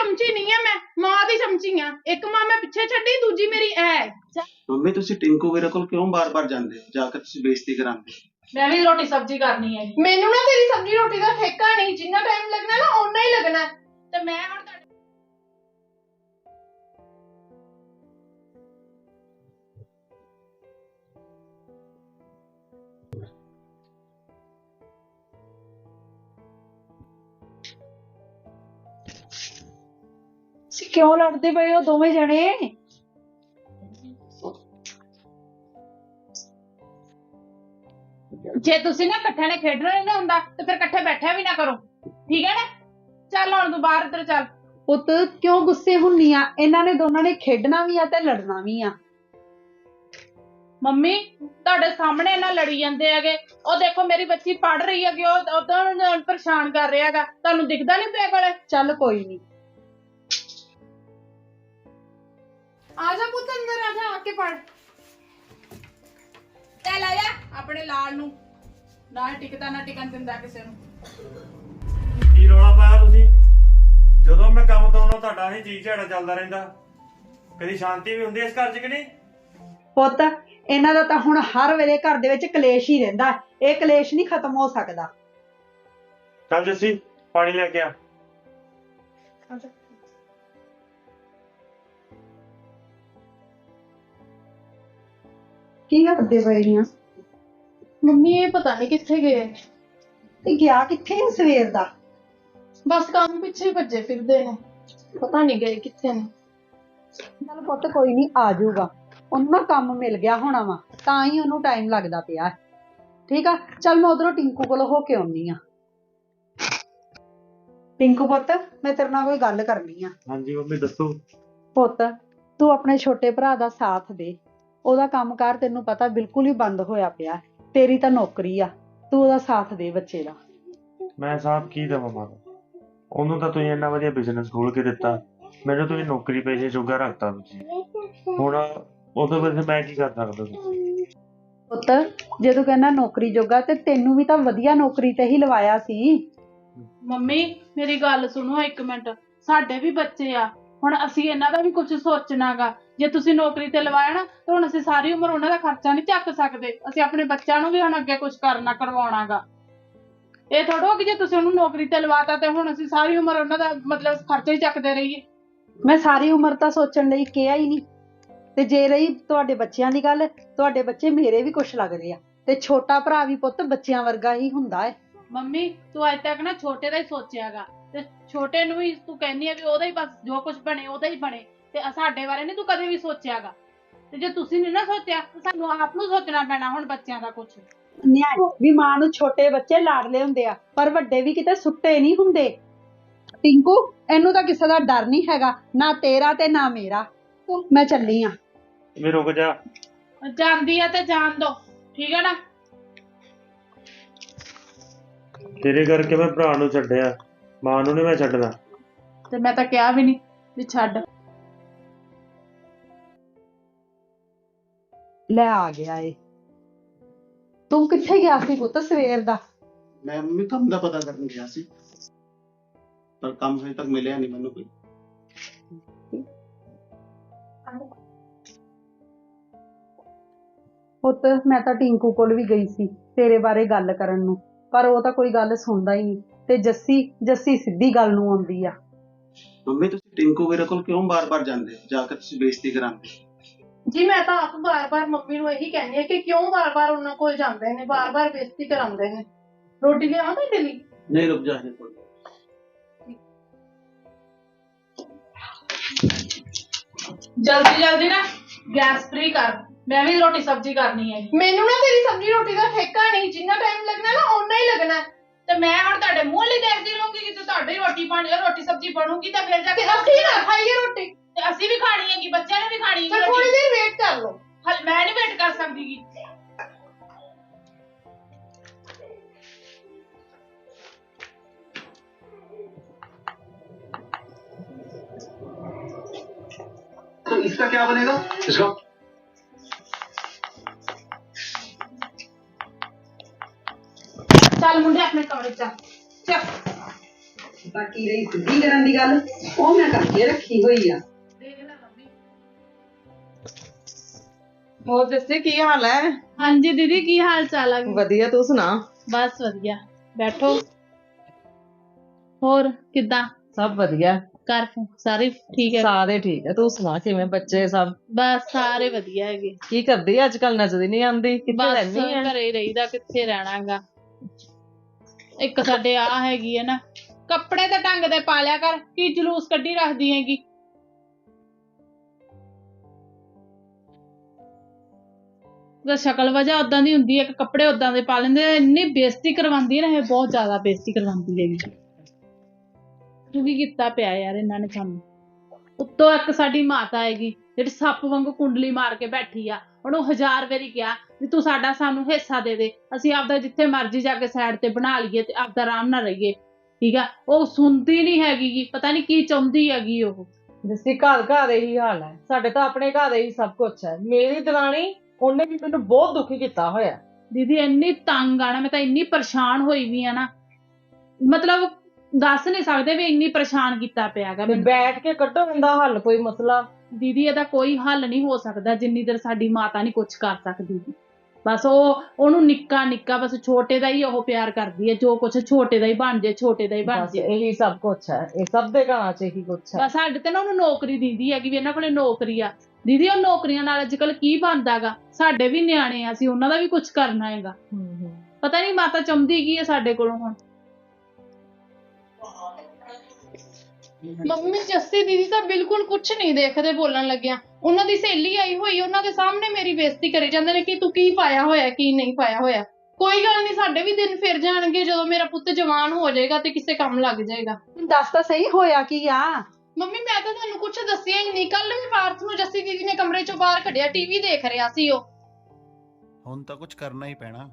चमची नहीं है, मैं मां दी चमची हां। एक मां मैं पिछे छड्डी, दूजी मेरी ऐ। मम्मी तुसी टिंकू वीरे कोल क्यों बार-बार जांदे हो? जाकर तुसी बेइज्जती करांदे हो। मैं भी रोटी सब्जी करनी है। मेनू ना तेरी सब्जी रोटी दा ठेका नहीं, जिन्ना टाइम लगना ना उन्ना ही लगना है। ते मैं हुण क्यों लड़ते पे हो दोवें जने? जे तुसी ना इकट्ठे ने खेडना नहीं ना हुंदा ते फिर इकट्ठे बैठा भी ना करो, ठीक है ना? चल हुण तू बाहर इधर चल। पुत क्यों गुस्से हुन्नी आ? इन्हां ने दोनां ने खेडना भी आ ते लड़ना भी आ। मम्मी तुहाडे सामने ना लड़ी जांदे हैगे। ओ देखो मेरी बच्ची पढ़ रही है कि ओ तो परेशान कर रहा हैगा, तुहानू दिखदा नहीं पिया कोले? चल कोई नहीं, आजा पुੱਤ अंदर आजा, आके पढ़। चल आजा अपने लाल नू ना टिकता ना टिकन दिंदा किसे नू। ਕੀ ਰੌਲਾ ਪਾਇਆ ਤੁਸੀਂ? ਜਦੋਂ ਮੈਂ ਕੰਮ ਤੋਂ ਆਉਣਾ ਤੁਹਾਡਾ ਹੀ ਜੀ ਝਾੜਾ ਚੱਲਦਾ ਰਹਿੰਦਾ। ਕਦੀ ਸ਼ਾਂਤੀ ਵੀ ਹੁੰਦੀ ਇਸ ਘਰ 'ਚ ਕਿ ਨਹੀਂ? ਪੁੱਤ ਇਹਨਾਂ ਦਾ ਤਾਂ ਹੁਣ ਹਰ ਵੇਲੇ ਘਰ ਦੇ ਵਿੱਚ ਕਲੇਸ਼ ਹੀ ਰਹਿੰਦਾ। ਇਹ ਕਲੇਸ਼ ਨਹੀਂ ਖਤਮ ਹੋ ਸਕਦਾ। ਚੱਲ ਜੱਸੀ ਪਾਣੀ ਲੈ ਕੇ ਆ। ਕੀ ਕਰਦੇ ਪਏ ਨੇ? मम्मी ये पता नहीं किथे गए, ਤੇ ਗਿਆ ਕਿੱਥੇ ਆ ਸਵੇਰ ਦਾ? बस काम पिछे भज्जे फिरदे ने, पता नहीं गए किथे ने। ਚੱਲ ਪੁੱਤ ਕੋਈ ਨਹੀਂ, ਆ ਜਾਊਗਾ। ਉਹਨੂੰ ਨਾ ਕੰਮ ਮਿਲ ਗਿਆ ਹੋਣਾ ਵਾ, ਤਾਂ ਹੀ ਉਹਨੂੰ ਟਾਈਮ ਲੱਗਦਾ ਪਿਆ। ਠੀਕ ਆ, ਚੱਲ ਮੈਂ ਉਧਰੋਂ ਟਿੰਕੂ ਕੋਲੋਂ ਹੋ ਕੇ ਆਉਣੀ ਆ। ਟਿੰਕੂ ਪੁੱਤ ਮੈਂ ਤੇਰੇ ਨਾਲ ਕੋਈ ਗੱਲ ਕਰਨੀ ਆ। ਹਾਂਜੀ ਮੰਮੀ ਦੱਸੋ। ਪੁੱਤ ਤੂੰ ਆਪਣੇ ਛੋਟੇ ਭਰਾ ਦਾ ਸਾਥ ਦੇ। ਉਹਦਾ ਕੰਮਕਾਰ ਤੈਨੂੰ ਪਤਾ ਬਿਲਕੁਲ ਹੀ ਬੰਦ ਹੋਇਆ ਪਿਆ। ਤੇਰੀ ਤਾਂ ਨੌਕਰੀ ਆ, ਤੂੰ ਉਹਦਾ ਸਾਥ ਦੇ ਬੱਚੇ ਦਾ। ਮੈਂ ਸਾਥ ਕੀ ਦੇਵਾਂ ਮਾਂ? ਉਹਨੂੰ ਤਾਂ ਤੁਸੀਂ ਇੰਨਾ ਵਧੀਆ ਬਿਜ਼ਨਸ ਖੋਲ ਕੇ ਦਿੱਤਾ, ਮੈਨੂੰ ਤੁਸੀਂ ਨੌਕਰੀ ਪੇਸ਼ੇ ਜੋਗਾ ਰੱਖਤਾ ਤੁਸੀਂ। ਹੁਣ ਉਹਦੇ ਵਿੱਚ ਮੈਂ ਕੀ ਕਰ ਸਕਦਾ? ਪੁੱਤ ਜੇ ਤੂੰ ਕਹਿੰਦਾ ਨੌਕਰੀ ਜੋਗਾ, ਤੇ ਤੈਨੂੰ ਵੀ ਤਾਂ ਵਧੀਆ ਨੌਕਰੀ ਤੇ ਹੀ ਲਵਾਇਆ ਸੀ। ਮੰਮੀ ਮੇਰੀ ਗੱਲ ਸੁਣੋ ਇੱਕ ਮਿੰਟ, ਸਾਡੇ ਵੀ ਬੱਚੇ ਆ, ਹੁਣ ਅਸੀਂ ਇਹਨਾਂ ਦਾ ਵੀ ਕੁਝ ਸੋਚਣਾਗਾ। ਜੇ ਤੁਸੀਂ ਨੌਕਰੀ ਤੇ ਲਵਾਇਆ ਨਾ ਤਾਂ ਹੁਣ ਅਸੀਂ ਸਾਰੀ ਉਮਰ ਉਹਨਾਂ ਦਾ ਖਰਚਾ ਨਹੀਂ ਚੱਕ ਸਕਦੇ। ਅਸੀਂ ਆਪਣੇ ਬੱਚਿਆਂ ਨੂੰ ਵੀ ਹੁਣ ਅੱਗੇ ਕੁਝ ਕਰਨਾ ਕਰਵਾਉਣਾਗਾ। ਇਹ ਥੋੜਾ ਕਿ ਜੇ ਤੁਸੀਂ ਉਹਨੂੰ ਨੌਕਰੀ ਤੇ ਲਵਾਤਾ ਤੇ ਹੁਣ ਅਸੀਂ ਸਾਰੀ ਉਮਰ ਉਹਨਾਂ ਦਾ ਮਤਲਬ ਖਰਚਾ ਹੀ ਚੱਕਦੇ ਰਹੀਏ। ਮੈਂ ਸਾਰੀ ਉਮਰ ਤਾਂ ਸੋਚਣ ਲਈ ਕਿਹਾ ਹੀ ਨਹੀਂ। ਤੇ ਜੇ ਰਹੀ ਤੁਹਾਡੇ ਬੱਚਿਆਂ ਦੀ ਗੱਲ, ਤੁਹਾਡੇ ਬੱਚੇ ਮੇਰੇ ਵੀ ਕੁਛ ਲੱਗਦੇ ਆ, ਤੇ ਛੋਟਾ ਭਰਾ ਵੀ ਪੁੱਤ ਬੱਚਿਆਂ ਵਰਗਾ ਹੀ ਹੁੰਦਾ ਹੈ। ਮੰਮੀ ਤੂੰ ਅੱਜ ਤੱਕ ਨਾ ਛੋਟੇ ਦਾ ਹੀ ਸੋਚਿਆਗਾ, ਤੇ ਛੋਟੇ ਨੂੰ ਵੀ ਤੂੰ ਕਹਿੰਦੀ ਆ ਵੀ ਉਹਦਾ ਹੀ ਬਸ ਜੋ ਕੁਝ ਬਣੇ ਉਹਦਾ ਹੀ ਬਣੇ, ਤੇ ਸਾਡੇ ਬਾਰੇ ਨਹੀਂ ਤੂੰ ਕਦੇ ਵੀ ਸੋਚਿਆਗਾ। ਤੇ ਜੇ ਤੁਸੀਂ ਨਹੀਂ ਨਾ ਸੋਚਿਆ ਤਾਂ ਸਾਨੂੰ ਆਪ ਨੂੰ ਸੋਚਣਾ ਪੈਣਾ ਹੁਣ ਬੱਚਿਆਂ ਦਾ ਕੁਝ। ਨਿਆਣੇ ਵੀ ਮਾਂ ਨੂੰ ਛੋਟੇ ਬੱਚੇ ਲਾਡਲੇ ਹੁੰਦੇ ਆ, ਪਰ ਵੱਡੇ ਵੀ ਕਿਤੇ ਸੁੱਟੇ ਨਹੀਂ ਹੁੰਦੇ। ਟਿੰਕੂ ਇਹਨੂੰ ਤਾਂ ਕਿਸੇ ਦਾ ਡਰ ਨਹੀਂ ਹੈਗਾ, ਨਾ ਤੇਰਾ ਤੇ ਨਾ ਮੇਰਾ। ਮੈਂ ਚੱਲੀ ਆ। ਵੀ ਰੁਕ ਜਾ। ਜਾਂਦੀ ਆ ਤੇ ਜਾਣ ਦੋ, ਠੀਕ ਹੈ ਨਾ? ਤੇਰੇ ਕਰਕੇ ਮੈਂ ਭਰਾ ਨੂੰ ਛੱਡਿਆ, ਮਾਂ ਨੂੰ ਨਹੀਂ ਮੈਂ ਛੱਡਣਾ। ਤੇ ਮੈਂ ਤਾਂ ਕਿਹਾ ਵੀ ਨਹੀਂ ਵੀ ਛੱਡ। ਲੈ ਆ ਗਿਆ ਏ। ਤੂੰ ਕਿੱਥੇ ਗਿਆ ਸੀ ਪੁੱਤ ਸਵੇਰ ਦਾ? मैं मम्मी काम का पता करने गया सी, पर काम हजे तक मिलिया नहीं मैनू कोई। ਪੁੱਤ ਮੈਂ ਤਾਂ ਟਿੰਕੂ ਕੋਲ ਵੀ ਗਈ ਸੀ ਤੇਰੇ ਬਾਰੇ ਗੱਲ ਕਰਨ ਨੂੰ, ਪਰ ਉਹ ਤਾਂ ਕੋਈ ਗੱਲ ਸੁਣਦਾ ਹੀ ਨਹੀਂ। ਤੇ ਜੱਸੀ ਸਿੱਧੀ ਗੱਲ ਨੂੰ ਆਉਂਦੀ ਆ। मम्मी तुसी टिंकू वीरे कोल क्यों बार-बार जांदे हो? जाकर तुसी बेइज्जती करांदे हो। ਜੀ मैं ਤਾਂ ਆਪ ਬਾਰ-ਬਾਰ ਮੰਮੀ ਨੂੰ ਇਹੀ ਕਹਿੰਦੀ ਆ ਕਿ ਕਿਉਂ ਬਾਰ-ਬਾਰ ਉਹਨਾਂ ਕੋਲ ਜਾਂਦੇ ਨੇ, ਬਾਰ-ਬਾਰ ਬੇਇੱਜ਼ਤੀ ਕਰਾਉਂਦੇ ਨੇ। ਰੋਟੀ ਲਿਆਵਾਂ ਤੁਹਾਡੇ ਲਈ? नहीं रुक जा, कोई ਜਲਦੀ ਜਲਦੀ ਨਾ ਗੈਸ ਫ੍ਰੀ ਕਰ, ਮੈਂ ਵੀ ਰੋਟੀ ਸਬਜ਼ੀ ਕਰਨੀ ਹੈ। ਮੈਨੂੰ ਨਾ ਤੇਰੀ ਸਬਜ਼ੀ ਰੋਟੀ ਦਾ ਠੇਕਾ ਨਹੀਂ, ਜਿੰਨਾ ਟਾਈਮ ਲੱਗਣਾ ਨਾ ਓਨਾ ਹੀ ਲੱਗਣਾ। ਤੇ ਮੈਂ ਹੁਣ ਤੁਹਾਡੇ ਮੂੰਹ ਲਈ ਦੇਖਦੀ ਰਹੂੰਗੀ ਕਿ ਤੁਹਾਡੀ ਰੋਟੀ ਸਬਜ਼ੀ ਬਣੂਗੀ ਤਾਂ ਫਿਰ ਜਾ ਕੇ ਅਸੀਂ ਨਾ ਖਾਈਏ ਰੋਟੀ। ਤੇ ਅਸੀਂ ਵੀ ਖਾਣੀ ਹੈ ਕਿ ਬੱਚਿਆਂ ਨੇ ਵੀ ਖਾਣੀ ਹੈ। ਥੋੜੀ ਦੇਰ ਵੇਟ ਕਰ ਲਓ। ਹਲ ਮੈਂ ਨਹੀਂ ਵੇਟ ਕਰ ਸਕਦੀ ਗੀ। तो इसका क्या बनेगा? इसका ਚੱਲ ਮੁੰਡੇ ਆਪਣੇ ਕਮਰੇ ਚ ਚੱਲ। ਬਾਕੀ ਰਹੀ ਸਿੱਧੀ ਕਰਨ ਦੀ ਗੱਲ, ਉਹ ਮੈਂ ਕਰਕੇ ਰੱਖੀ ਹੋਈ ਆ। ਦੇਖ ਲੈ ਮੰਮੀ। ਹੋਰ ਦੱਸੇ ਕੀ ਹਾਲ ਹੈ? ਹਾਂਜੀ ਦੀਦੀ, ਕੀ ਹਾਲ ਚਾਲ ਆ? ਵਧੀਆ, ਤੂੰ ਸੁਣਾ? ਬਸ ਵਧੀਆ, ਬੈਠੋ। ਹੋਰ ਕਿੱਦਾਂ? ਸਭ ਵਧੀਆ, ਘਰ ਸਾਰੇ ਠੀਕ ਹੈ? ਸਾਰੇ ਠੀਕ ਹੈ। ਤੂੰ ਸੁਣਾ, ਕਿਵੇਂ ਬੱਚੇ ਸਭ? ਬਸ ਸਾਰੇ ਵਧੀਆ ਹੈਗੇ। ਕੀ ਕਰਦੀ ਅੱਜ ਕੱਲ? ਨਜ਼ਰ ਹੀ ਨਹੀਂ ਆਉਂਦੀ, ਕਿੱਥੇ ਬਸ ਰਹਿੰਦੀ ਹੈ? ਘਰੇ ਹੀ ਰਹੀਦਾ, ਕਿੱਥੇ ਰਹਿਣਾਗਾ। ਇੱਕ ਸਾਡੇ ਆ ਹੈਗੀ ਹੈ ਨਾ, ਕੱਪੜੇ ਤਾਂ ਢੰਗ ਦੇ ਪਾ ਲਿਆ ਕਰ, ਕੀ ਜਲੂਸ ਕੱਢੀ ਰੱਖਦੀ ਹੈਗੀ। ਉਹਦਾ ਸ਼ਕਲ ਵਜਾ ਉਦਾਂ ਦੀ ਹੁੰਦੀ ਹੈ, ਕਿ ਕੱਪੜੇ ਉਦਾਂ ਦੇ ਪਾ ਲੈਂਦੇ ਆ। ਇੰਨੀ ਬੇਇੱਜ਼ਤੀ ਕਰਵਾਉਂਦੀ ਹੈ ਨਾ, ਇਹ ਬਹੁਤ ਜ਼ਿਆਦਾ ਬੇਇੱਜ਼ਤੀ ਕਰਵਾਉਂਦੀ ਹੈਗੀ। ਕੀ ਕੀਤਾ ਪਿਆ ਯਾਰ ਇਹਨਾਂ ਨੇ ਸਾਨੂੰ। ਉੱਤੋਂ ਇੱਕ ਸਾਡੀ ਮਾਤਾ ਹੈਗੀ ਜਿਹੜੀ ਸੱਪ ਵਾਂਗੂ ਕੁੰਡਲੀ ਮਾਰ ਕੇ ਬੈਠੀ ਆ। ਉਹਨੂੰ 1000 ਵਾਰੀ ਕਿਹਾ ਵੀ ਤੂੰ ਸਾਡਾ ਸਾਨੂੰ ਹਿੱਸਾ ਦੇ ਦੇ, ਅਸੀਂ ਆਪਦਾ ਜਿੱਥੇ ਮਰਜ਼ੀ ਜਾ ਕੇ ਸਾਈਡ ਤੇ ਬਣਾ ਲਈਏ ਤੇ ਆਪਦਾ ਆਰਾਮ ਨਾਲ ਰਹੀਏ, ਠੀਕ ਆ। ਉਹ ਸੁਣਦੀ ਨਹੀਂ ਹੈਗੀ ਗੀ, ਪਤਾ ਨਹੀਂ ਕੀ ਚਾਹੁੰਦੀ ਹੈਗੀ ਉਹ। ਜਿਸੀ ਘਰ ਘਰ ਇਹੀ ਹਾਲ ਹੈ, ਸਾਡੇ ਤਾਂ ਆਪਣੇ ਘਰ ਇਹੀ ਸਭ ਕੁਛ ਹੈ। ਮੇਰੀ ਦਰਾਣੀ, ਉਹਨੇ ਵੀ ਮੈਨੂੰ ਬਹੁਤ ਦੁਖੀ ਕੀਤਾ ਹੋਇਆ। ਦੀਦੀ ਇੰਨੀ ਤੰਗ ਆ ਨਾ, ਮੈਂ ਤਾਂ ਇੰਨੀ ਪਰੇਸ਼ਾਨ ਹੋਈ ਵੀ ਆ ਨਾ, ਮਤਲਬ ਦੱਸ ਨਹੀਂ ਸਕਦੇ ਵੀ ਇੰਨੀ ਪਰੇਸ਼ਾਨ ਕੀਤਾ ਪਿਆ ਗਾ ਮੈਨੂੰ। ਬੈਠ ਕੇ ਕੱਢੋ ਇਹਦਾ ਹੱਲ, ਕੋਈ ਮਸਲਾ। ਦੀਦੀ ਇਹਦਾ ਕੋਈ ਹੱਲ ਨਹੀਂ ਹੋ ਸਕਦਾ ਜਿੰਨੀ ਦੇਰ ਸਾਡੀ ਮਾਤਾ ਨਹੀਂ ਕੁਝ ਕਰ ਸਕਦੀ। ਬਸ ਉਹਨੂੰ ਨਿੱਕਾ ਨਿੱਕਾ ਬਸ ਛੋਟੇ ਦਾ ਹੀ ਉਹ ਪਿਆਰ ਕਰਦੀ ਹੈ, ਜੋ ਕੁਛ ਛੋਟੇ ਦਾ ਹੀ ਬਣ ਜੇ, ਛੋਟੇ ਦਾ ਹੀ ਬਣ ਬਸ ਜੇ। ਇਹੀ ਸਭ ਕੁਛ ਹੈ, ਇਹ ਸਭ ਦੇ ਘਰਾਂ 'ਚ ਇਹੀ ਕੁਛ ਹੈ। ਬਸ ਸਾਡੇ ਤੇ ਨਾ ਉਹਨੂੰ ਨੌਕਰੀ ਦਿੰਦੀ ਹੈਗੀ ਵੀ ਇਹਨਾਂ ਕੋਲੇ ਨੌਕਰੀ ਆ। ਦੀਦੀ ਉਹ ਨੌਕਰੀਆਂ ਨਾਲ ਅੱਜ ਕੱਲ ਕੀ ਬਣਦਾਗਾ। ਸਾਡੇ ਵੀ ਨਿਆਣੇ ਆ, ਅਸੀਂ ਉਹਨਾਂ ਦਾ ਵੀ ਕੁਝ ਕਰਨਾ ਹੈਗਾ। ਪਤਾ ਨਹੀਂ ਮਾਤਾ ਚਾਹੁੰਦੀ ਕੀ ਹੈ ਸਾਡੇ ਕੋਲੋਂ ਹੁਣ। ਮੰਮੀ ਜੱਸੀ ਦੀਦੀ ਤਾਂ ਬਿਲਕੁਲ ਕੁਝ ਨਹੀਂ ਦੇਖਦੇ ਬੋਲਣ ਲੱਗਿਆ। ਉਹਨਾਂ ਦੀ ਸਹੇਲੀ ਆਈ ਹੋਈ, ਉਹਨਾਂ ਦੇ ਸਾਹਮਣੇ ਮੇਰੀ ਬੇਇੱਜ਼ਤੀ ਕਰੀ ਜਾਂਦੇ ਨੇ ਕਿ ਤੂੰ ਕੀ ਪਾਇਆ ਹੋਇਆ, ਕੀ ਨਹੀਂ ਪਾਇਆ ਹੋਇਆ। ਕੋਈ ਗੱਲ ਨਹੀਂ, ਸਾਡੇ ਵੀ ਦਿਨ ਫਿਰ ਜਾਣਗੇ ਜਦੋਂ ਮੇਰਾ ਪੁੱਤ ਜਵਾਨ ਹੋ ਜਾਏਗਾ ਤੇ ਕਿਸੇ ਕੰਮ ਲੱਗ ਜਾਏਗਾ। ਦੱਸ ਤਾਂ ਸਹੀ ਹੋਇਆ ਕੀ ਆ? ਮੰਮੀ ਮੈਂ ਤਾਂ ਤੁਹਾਨੂੰ ਕੁਝ ਦੱਸਿਆ ਹੀ ਨਹੀਂ। ਕੱਲ ਵੀ ਪਾਰਥ ਨੂੰ ਜੱਸੀ ਦੀਦੀ ਨੇ ਕਮਰੇ ਚੋਂ ਬਾਹਰ ਕੱਢਿਆ, ਟੀਵੀ ਦੇਖ ਰਿਹਾ ਸੀ ਉਹ। ਹੁਣ ਤਾਂ ਕੁਝ ਕਰਨਾ ਹੀ ਪੈਣਾ।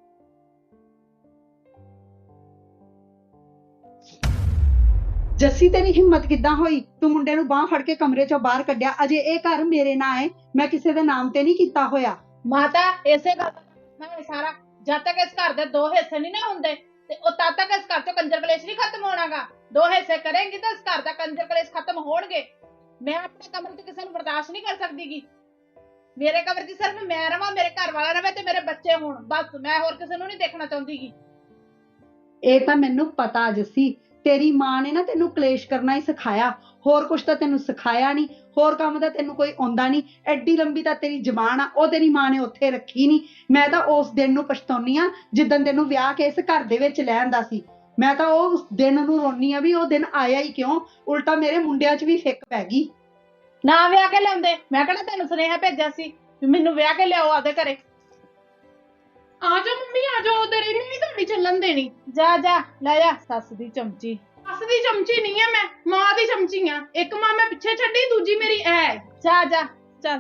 ਜੱਸੀ ਤੇਰੀ ਹਿੰਮਤ ਕਿੱਦਾਂ ਹੋਈ? ਤੂੰ ਮੁੰਡੇ ਨੂੰ ਬਾਹ ਫੜ ਕੇ ਕਮਰੇ ਚੋਂ ਬਾਹਰ ਕੱਢਿਆ। ਅਜੇ ਇਹ ਘਰ ਮੇਰੇ ਨਾਂ ਹੈ, ਮੈਂ ਕਿਸੇ ਦੇ ਨਾਮ ਤੇ ਨਹੀਂ ਕੀਤਾ ਹੋਇਆ। ਮਾਤਾ ਇਸੇ ਗੱਲ ਮੈਂ ਸਾਰਾ, ਜਦ ਤੱਕ ਇਸ ਘਰ ਦੇ 2 ਹਿੱਸੇ ਨਹੀਂ ਨਾ ਹੁੰਦੇ ਤੇ ਉਹ ਤਦ ਤੱਕ ਇਸ ਘਰ ਚੋਂ ਕੰਜਰ ਕਲੇਸ਼ ਨਹੀਂ ਖਤਮ ਹੋਣਾਗਾ। 2 ਹਿੱਸੇ ਕਰੇਂਗੀ ਤਾਂ ਇਸ ਘਰ ਦਾ ਕੰਜਰ ਕਲੇਸ਼ ਖਤਮ ਹੋਣਗੇ। ਮੈਂ ਆਪਣੇ ਕਮਰੇ 'ਚ ਕਿਸੇ ਨੂੰ ਬਰਦਾਸ਼ਤ ਨਹੀਂ ਕਰ ਸਕਦੀਗੀ। ਮੇਰੇ ਕਮਰੇ 'ਚ ਸਿਰਫ ਮੈਂ ਰਵਾਂ, ਮੇਰੇ ਘਰ ਵਾਲਾ ਰਵੇ ਤੇ ਮੇਰੇ ਬੱਚੇ ਹੋਣ, ਬਸ। ਮੈਂ ਹੋਰ ਕਿਸੇ ਨੂੰ ਨਹੀਂ ਦੇਖਣਾ ਚਾਹੁੰਦੀਗੀ। ਇਹ ਤਾਂ ਮੈਨੂੰ ਪਤਾ ਜੱਸੀ, ਤੇਰੀ ਮਾਂ ਨੇ ਨਾ ਤੈਨੂੰ ਕਲੇਸ਼ ਕਰਨਾ ਹੀ ਸਿਖਾਇਆ, ਹੋਰ ਕੁਛ ਤਾਂ ਤੈਨੂੰ ਸਿਖਾਇਆ ਨਹੀਂ। ਹੋਰ ਕੰਮ ਤਾਂ ਤੈਨੂੰ ਕੋਈ ਆਉਂਦਾ ਨਹੀਂ। ਐਡੀ ਲੰਬੀ ਤਾਂ ਤੇਰੀ ਜ਼ਬਾਨ ਆ, ਉਹ ਤੇਰੀ ਮਾਂ ਨੇ ਉੱਥੇ ਰੱਖੀ ਨਹੀਂ। ਮੈਂ ਤਾਂ ਉਸ ਦਿਨ ਨੂੰ ਪਛਤਾਉਣੀ ਆ ਜਿੱਦਣ ਤੈਨੂੰ ਵਿਆਹ ਕੇ ਇਸ ਘਰ ਦੇ ਵਿੱਚ ਲੈ ਆਂਦਾ ਸੀ। ਮੈਂ ਤਾਂ ਉਸ ਦਿਨ ਨੂੰ ਰੋਨੀ ਆ ਵੀ ਉਹ ਦਿਨ ਆਇਆ ਹੀ ਕਿਉਂ। ਉਲਟਾ ਮੇਰੇ ਮੁੰਡਿਆਂ 'ਚ ਵੀ ਫਿੱਕ ਪੈ ਗਈ। ਨਾ ਵਿਆਹ ਕੇ ਲਿਆਉਂਦੇ, ਮੈਂ ਕਿਹੜਾ ਤੈਨੂੰ ਸੁਨੇਹਾ ਭੇਜਿਆ ਸੀ ਵੀ ਮੈਨੂੰ ਵਿਆਹ ਕੇ ਲਿਆਓ ਆਪਦੇ ਘਰੇ। ਆ ਜਾ ਮੰਮੀ ਆ ਜਾ, ਉਧਰ ਹੀ ਨਹੀਂ ਤੁਹਾਡੀ ਚੱਲਣ ਦੇਣੀ। ਜਾ ਜਾ ਲੈ ਜਾ, ਸੱਸ ਦੀ ਚਮਚੀ। ਸੱਸ ਦੀ ਚਮਚੀ ਨਹੀਂ ਆ ਮੈਂ, ਮਾਂ ਦੀ ਚਮਚੀ ਆ। ਇੱਕ ਮਾਂ ਮੈਂ ਪਿੱਛੇ ਛੱਡੀ, ਦੂਜੀ ਮੇਰੀ ਐ। ਜਾ ਜਾ ਚੱਲ।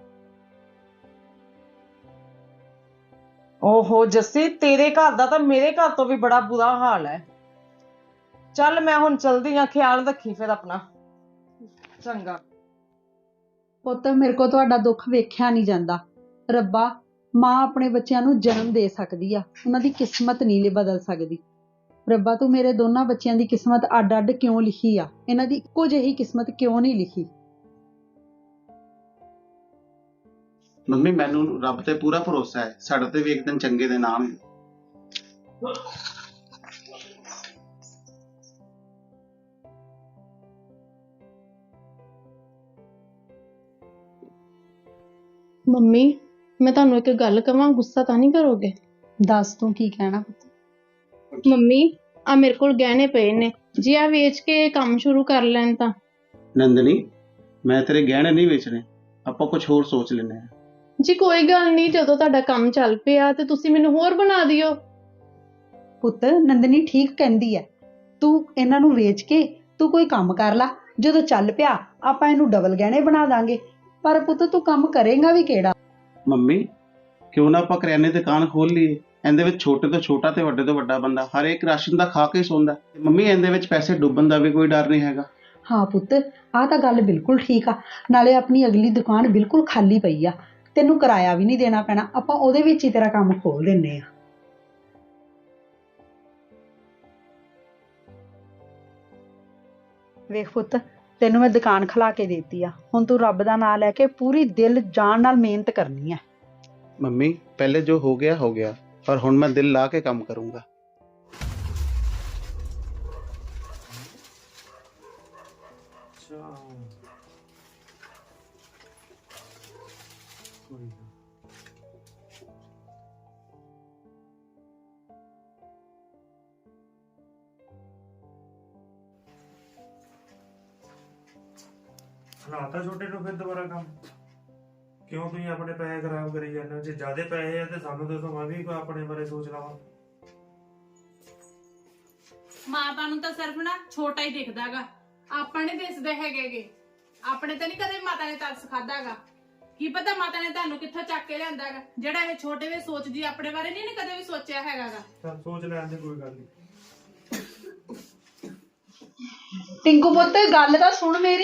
ਓਹੋ ਜੱਸੀ, ਤੇਰੇ ਘਰ ਦਾ ਤਾਂ ਮੇਰੇ ਘਰ ਤੋਂ ਵੀ ਬੜਾ ਬੁਰਾ ਹਾਲ ਹੈ। ਚੱਲ ਮੈਂ ਹੁਣ ਚਲਦੀ ਆ, ਖਿਆਲ ਰੱਖੀ ਫਿਰ ਆਪਣਾ। ਚੰਗਾ। ਪੁੱਤ ਮੇਰੇ ਕੋਲ ਤੁਹਾਡਾ ਦੁੱਖ ਵੇਖਿਆ ਨਹੀਂ ਜਾਂਦਾ। ਰੱਬਾ, ਮਾਂ ਆਪਣੇ ਬੱਚਿਆਂ ਨੂੰ ਜਨਮ ਦੇ ਸਕਦੀ ਆ, ਉਹਨਾਂ ਦੀ ਕਿਸਮਤ ਨਹੀਂ ਬਦਲ ਸਕਦੀ। ਰੱਬਾ ਤੂੰ ਮੇਰੇ ਦੋਨਾਂ ਬੱਚਿਆਂ ਦੀ ਕਿਸਮਤ ਅੱਡ ਅੱਡ ਕਿਉਂ ਲਿਖੀ ਆ? ਇਹਨਾਂ ਦੀ ਇੱਕੋ ਜਿਹੀ ਕਿਸਮਤ ਕਿਉਂ ਨਹੀਂ ਲਿਖੀ? ਮੰਮੀ ਮੈਨੂੰ ਰੱਬ ਤੇ ਪੂਰਾ ਭਰੋਸਾ ਹੈ, ਸਾਡੇ ਤੇ ਵੀ ਇੱਕ ਦਿਨ ਚੰਗੇ ਦਿਨ ਆਉਣਗੇ। ਮੰਮੀ ਮੈਂ ਤੁਹਾਨੂੰ ਇੱਕ ਗੱਲ ਕਵਾਂ, ਗੁੱਸਾ ਤਾਂ ਨਹੀਂ ਕਰੋਗੇ? ਦੱਸ ਤੂੰ ਕੀ ਕਹਿਣਾ ਪੁੱਤ। ਮੰਮੀ ਆ ਮੇਰੇ ਕੋਲ ਗਹਿਣੇ ਪਏ ਨੇ, ਜੇ ਆ ਵੇਚ ਕੇ ਕੰਮ ਸ਼ੁਰੂ ਕਰ ਲੈਣ ਤਾਂ। ਨੰਦਨੀ, ਮੈਂ ਤੇਰੇ ਗਹਿਣੇ ਨਹੀਂ ਵੇਚਣੇ, ਆਪਾਂ ਕੁਝ ਹੋਰ ਸੋਚ ਲੈਂਦੇ ਹਾਂ। ਜੀ ਕੋਈ ਗੱਲ ਨਹੀਂ, ਜਦੋਂ ਤੁਹਾਡਾ ਕੰਮ ਚੱਲ ਪਿਆ ਤੇ ਤੁਸੀਂ ਮੈਨੂੰ ਹੋਰ ਬਣਾ ਦਿਓ। ਪੁੱਤ ਨੰਦਨੀ ਠੀਕ ਕਹਿੰਦੀ ਹੈ, ਤੂੰ ਇਹਨਾਂ ਨੂੰ ਵੇਚ ਕੇ ਤੂੰ ਕੋਈ ਕੰਮ ਕਰ ਲੈ, ਜਦੋਂ ਚੱਲ ਪਿਆ ਆਪਾਂ ਇਹਨੂੰ ਡਬਲ ਗਹਿਣੇ ਬਣਾ ਦਾਂਗੇ। ਪਰ ਪੁੱਤ ਤੂੰ ਕੰਮ ਕਰੇਗਾ ਵੀ ਕਿਹੜਾ? ਮੰਮੀ ਕਿਉਂ ਨਾ ਆਪਾਂ ਕਰਿਆਨੇ ਦੀ ਦੁਕਾਨ ਖੋਲ ਲਈਏ। ਇਹਦੇ ਵਿੱਚ ਛੋਟੇ ਤੋਂ ਛੋਟਾ ਤੇ ਵੱਡੇ ਤੋਂ ਵੱਡਾ ਬੰਦਾ ਹਰ ਇੱਕ ਰਾਸ਼ਨ ਦਾ ਖਾ ਕੇ ਹੀ ਸੌਂਦਾ। ਮੰਮੀ ਇਹਦੇ ਵਿੱਚ ਪੈਸੇ ਡੁੱਬਣ ਦਾ ਵੀ ਕੋਈ ਡਰ ਨਹੀਂ ਹੈਗਾ। ਹਾਂ ਪੁੱਤ, ਆਹ ਤਾਂ ਗੱਲ ਬਿਲਕੁਲ ਠੀਕ ਆ। ਨਾਲੇ ਆਪਣੀ ਅਗਲੀ ਦੁਕਾਨ ਬਿਲਕੁਲ ਖਾਲੀ ਪਈ ਆ, ਤੈਨੂੰ ਕਿਰਾਇਆ ਵੀ ਨਹੀਂ ਦੇਣਾ ਪੈਣਾ। ਆਪਾਂ ਉਹਦੇ ਵਿੱਚ ਹੀ ਤੇਰਾ ਕੰਮ ਖੋਲ ਦਿੰਨੇ ਆ। ਵੇਖ ਪੁੱਤ, ਤੈਨੂੰ ਮੈਂ ਦੁਕਾਨ ਖਿਲਾ ਕੇ ਦੇਤੀ ਆ, ਹੁਣ ਤੂੰ ਰੱਬ ਦਾ ਨਾਮ ਲੈ ਕੇ ਪੂਰੀ ਦਿਲ ਜਾਨ ਨਾਲ ਮਿਹਨਤ ਕਰਨੀ ਹੈ। ਮੰਮੀ ਪਹਿਲੇ ਜੋ ਹੋ ਗਿਆ, ਪਰ ਹੁਣ ਮੈਂ ਦਿਲ ਲਾ ਕੇ ਕੰਮ ਕਰੂੰਗਾ। ਸੁਣਾਤਾ ਛੋਟੇ ਨੂੰ ਫਿਰ ਦੁਬਾਰਾ ਕੰਮ? ਕਿਉਂ ਤੁਸੀਂ ਆਪਣੇ ਪੈਸੇ ਖਰਾਬ ਕਰੀ ਜਾਂਦੇ ਹੋ? ਜੇ ਜ਼ਿਆਦੇ ਪੈਸੇ ਆ ਤੇ ਸਾਨੂੰ ਦੱਸੋ, ਮੈਂ ਵੀ ਆਪਣੇ ਬਾਰੇ ਸੋਚ ਲਵਾਂ। ਮਾਤਾ ਨੂੰ ਤਾਂ ਸਿਰਫ ਨਾ ਛੋਟਾ ਹੀ ਦਿਖਦਾਗਾ, ਆਪਾਂ ਨਹੀਂ ਦਿਸਦੇ ਹੈਗੇਗੇ। ਆਪਣੇ ਤੇ ਨਹੀਂ ਕਦੇ ਮਾਤਾ ਨੇ ਤਰਸ ਖਾਦਾਗਾ। ਕੀ ਪਤਾ ਮਾਤਾ ਨੇ ਤੁਹਾਨੂੰ ਕਿੱਥੋਂ ਚੱਕ ਕੇ ਲਿਆਂਦਾਗਾ, ਜਿਹੜਾ ਇਹ ਛੋਟੇ ਵੇ ਸੋਚਦੀ ਆਪਣੇ ਬਾਰੇ ਨਹੀਂ ਕਦੇ ਵੀ ਸੋਚਿਆ ਹੈਗਾਗਾ। ਚੱਲ ਸੋਚ ਲੈਣ ਦੇ, ਕੋਈ ਗੱਲ ਨਹੀਂ। ਟਿੰਕੂ ਪੁੱਤ, ਗੱਲ ਤਾਂ ਸੁਣ ਮੇਰੀ।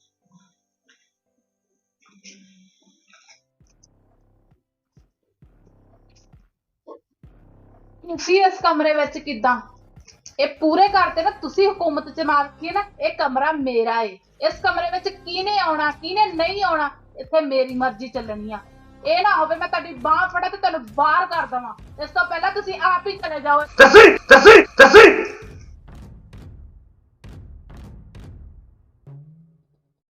ਤੁਸੀਂ ਇਸ ਕਮਰੇ ਵਿੱਚ ਕਿੱਦਾਂ? ਇਹ ਪੂਰੇ ਘਰ ਤੇ ਨਾ ਤੁਸੀਂ ਹੁਕੂਮਤ ਚ ਮਾਰਕੀ ਨਾ, ਇਹ ਕਮਰਾ ਮੇਰਾ ਏ। ਇਸ ਕਮਰੇ ਵਿੱਚ ਕਿਹਨੇ ਆਉਣਾ ਕਿਹਨੇ ਨਹੀਂ ਆਉਣਾ, ਇੱਥੇ ਮੇਰੀ ਮਰਜ਼ੀ ਚੱਲਣੀ ਆ। ਇਹ ਨਾ ਹੋਵੇ ਮੈਂ ਤੁਹਾਡੀ ਬਾਂਹ ਫੜਾ ਤੇ ਤੁਹਾਨੂੰ ਬਾਹਰ ਕਰ ਦੇਵਾਂ। ਇਸ ਤੋਂ ਪਹਿਲਾਂ ਤੁਸੀਂ ਆਪ ਹੀ ਚਲੇ ਜਾਓ।